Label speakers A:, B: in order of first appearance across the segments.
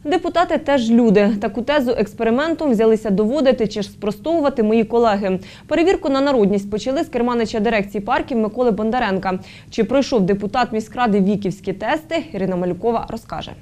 A: Депутати теж люди. Таку тезу експериментом взялися доводити чи ж спростовувати мої колеги. Перевірку на народність почали з керманича дирекції парків Миколи Бондаренка. Чи пройшов депутат міськради віківські тести, Ірина Малюкова розкаже.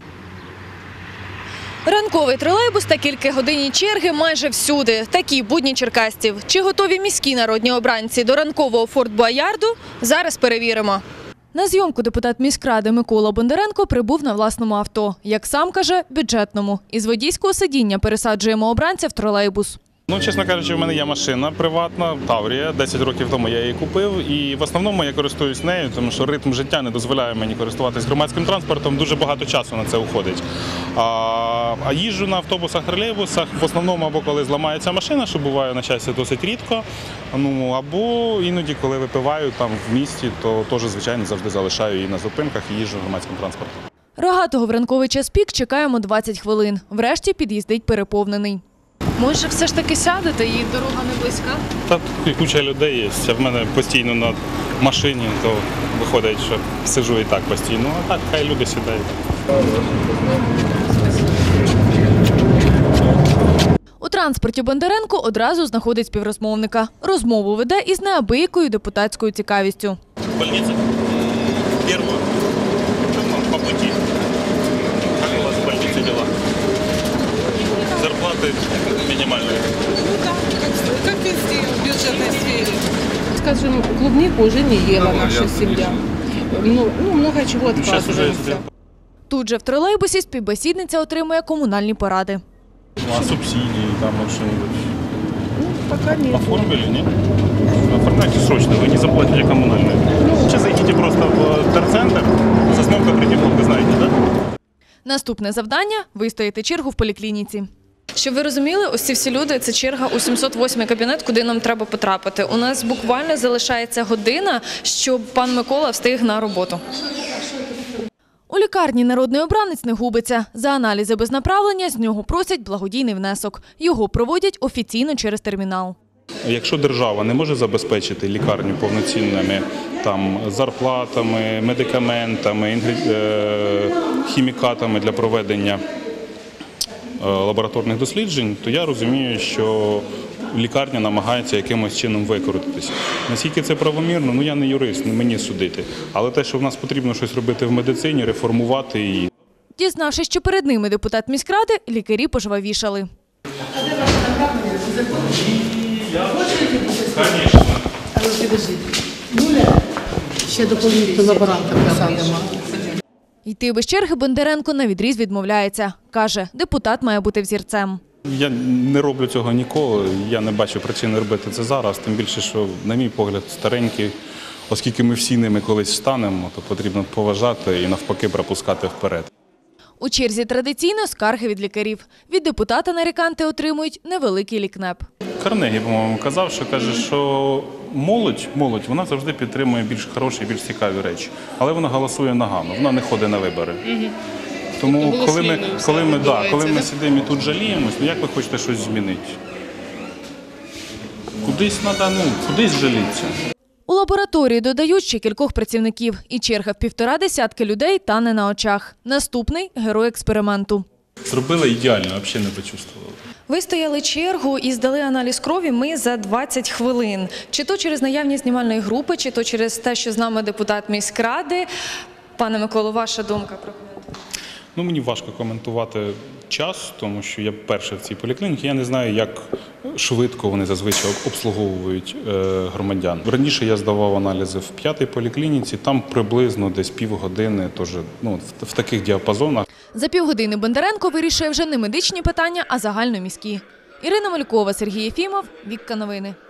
B: Ранковий тролейбус та кількагодинні черги майже всюди. Такі будні черкасців. Чи готові міські народні обранці до ранкового форт-боярду? Зараз перевіримо. На зйомку депутат міськради Микола Бондаренко прибув на власному авто. Як сам каже, бюджетному. Із водійського сидіння пересаджуємо обранця в тролейбус.
C: Чесно кажучи, в мене є машина приватна, Таврія. 10 років тому я її купив і в основному я користуюсь нею, тому що ритм життя не дозволяє мені користуватись громадським транспортом, дуже багато часу на це уходить. А їжджу на автобусах, тролейбусах в основному або коли зламається машина, що буває на щастя досить рідко, або іноді, коли випиваю там в місті, то теж, звичайно, завжди залишаю її на зупинках і їжджу громадським транспортом.
B: Рогатого в ранковий час пік чекаємо 20 хвилин. Врешті під'їздить переповнений. Може, все ж таки сядете, і дорога не близька?
C: Та тут куча людей є, а в мене постійно на машині, то виходить, що сиджу і так постійно, а так хай люди сідають.
B: У транспорті Бондаренко одразу знаходить співрозмовника. Розмову веде із неабиякою депутатською цікавістю.
C: Больниця? Перша. По путі. Як у вас в больниці діла? Зарплаты минимальные.
D: Как везде в бюджетной сфере. Скажем, клубнику уже не ела наша семья. Много чего отказываемся.
B: Тут же в тролейбусі співбесідниця отримує комунальні поради.
C: А субсидии там что-нибудь?
D: Пока нет.
C: Оформили, нет? Оформляйте срочно, вы не заплатите коммунальные. Сейчас зайдите просто в терцентр, Сосновка, Приднепровка, вы знаете, да?
B: Наступне завдання – вистояти чергу в поліклініці. Щоб ви розуміли, ось ці всі люди – це черга у 708-й кабінет, куди нам треба потрапити. У нас буквально залишається година, щоб пан Микола встиг на роботу. У лікарні народний обранець не губиться. За аналізи без направлення з нього просять благодійний внесок. Його проводять офіційно через термінал.
C: Якщо держава не може забезпечити лікарню повноцінними зарплатами, медикаментами, хімікатами для проведення лабораторних досліджень, то я розумію, що лікарня намагається якимось чином викрутитися. Наскільки це правомірно, я не юрист, не мені судити. Але те, що в нас потрібно щось робити в медицині, реформувати її.
B: Дізнавшись, що перед ними депутат міськради, лікарі пожвавішали.
D: А де ваше направлення?
C: Звісно.
D: А ви підождіть. Ще доповнити лаборанта посадимо.
B: Йти без черги Бондаренко навідріз відмовляється. Каже, депутат має бути взірцем.
C: Я не роблю цього ніколи, я не бачу причини робити це зараз, тим більше, що, на мій погляд, старенькі, оскільки ми всі ними колись станемо, то потрібно поважати і навпаки пропускати вперед.
B: У черзі традиційно скарги від лікарів. Від депутата наріканти отримують невеликий лікнеп.
C: Карнегі, по-моєму, казав, що молодь, вона завжди підтримує більш хороші, більш цікаві речі. Але вона голосує нагано, вона не ходить на вибори. Тому коли ми сидимо і тут жаліємось, як ви хочете щось змінити? Кудись треба, кудись жалітися.
B: У лабораторії додають ще кількох працівників. І черга в 1,5 десятки людей тане на очах. Наступний – герой експерименту.
C: Зробили ідеально, взагалі не почувствували.
B: Вистояли чергу і здали аналіз крові ми за 20 хвилин. Чи то через наявність знімальної групи, чи то через те, що з нами депутат міськради. Пане Миколо, ваша думка про коментар?
C: Мені важко коментувати час, тому що я перший в цій поліклініці. Я не знаю, як швидко вони зазвичай обслуговують громадян. Раніше я здавав аналізи в 5-й поліклініці, там приблизно десь півгодини, тож, в таких діапазонах.
B: За півгодини Бондаренко вирішує вже не медичні питання, а загальноміські. Ірина Малюкова, Сергій Єфімов, Вікка Новини.